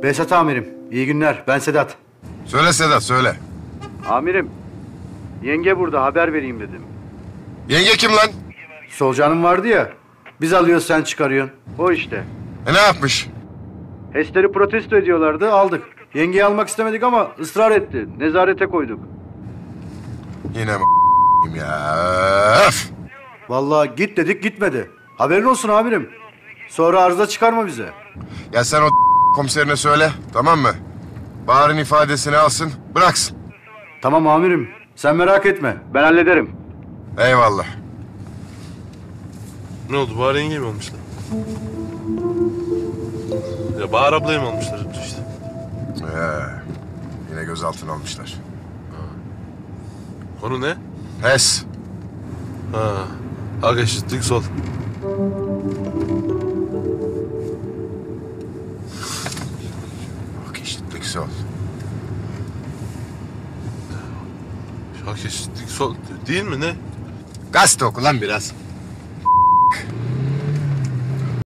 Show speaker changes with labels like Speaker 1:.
Speaker 1: Behzat amirim, iyi günler. Ben Sedat.
Speaker 2: Söyle Sedat, söyle.
Speaker 1: Amirim, yenge burada, haber vereyim dedim.
Speaker 2: Yenge kim lan?
Speaker 1: Solucanım vardı ya, biz alıyoruz sen çıkarıyorsun. O işte.
Speaker 2: Ne yapmış?
Speaker 1: HES'leri protesto ediyorlardı, aldık. Yengeyi almak istemedik ama ısrar etti. Nezarete koyduk.
Speaker 2: Yine ya. Öf!
Speaker 1: Vallahi git dedik, gitmedi. Haberin olsun amirim. Sonra arıza çıkarma bize.
Speaker 2: Ya sen o komiserine söyle, tamam mı? Bahar'ın ifadesini alsın, bıraksın.
Speaker 1: Tamam amirim, sen merak etme. Ben hallederim.
Speaker 2: Eyvallah.
Speaker 3: Ne oldu? Bahar yenge mi almışlar? Ya Bahar ablayı mı almışlar işte?
Speaker 2: Yine gözaltına almışlar.
Speaker 3: Konu ne?
Speaker 2: HES.
Speaker 3: Ha. Hak eşitlik sol.
Speaker 2: Bak eşitlik sol.
Speaker 3: Hak eşitlik sol değil mi ne?
Speaker 2: Gazete oku lan biraz.